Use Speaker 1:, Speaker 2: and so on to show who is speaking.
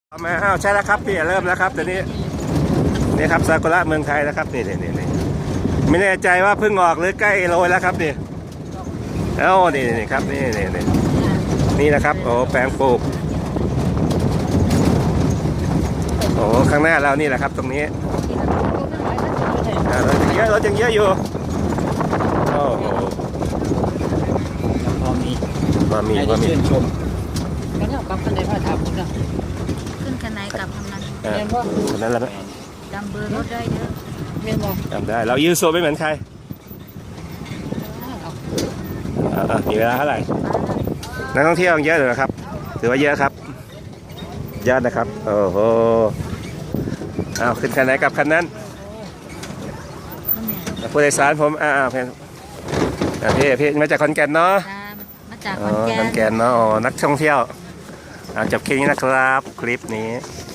Speaker 1: เอามาใช่แล้วครับพี่เริ่มแล้วครับตอนนี้นี่ครับซากุระเมืองไทยแล้วครับนี่ไม่แน่ใจว่าเพิ่งออกหรือใกล้โรยแล้วครับนี่นี่ครับนี่นะครับโอ้แปลงปลูกโอ้ข้างหน้าเรานี่แหละครับตรงนี้รถยังเยอะอยู่โอ้โห
Speaker 2: พอมีชื่นชมแล้วเนี่ยกับคนใดพระธรรมนะ
Speaker 3: ขึ้นกันไหนกลับทำนั้น
Speaker 1: คนนั้นแหละ
Speaker 3: จำเบอร์รถได้เยอะ
Speaker 2: เมียนบอก
Speaker 1: จำได้เรายืนโซไม่เหมือนใครมีเวลาเท่าไหร่นักท่องเที่ยวเยอะเลยครับถือว่าเยอะครับยอดนะครับโอ้โหเอาขึ้นคันไหนกับคันนั้นผู้โดยสารผมพี่มาจากขอนแก่นเนาะ
Speaker 3: มาจาก
Speaker 1: ขอนแก่นเนาะนักท่องเที่ยวจบคลิปนี้นะครับคลิปนี้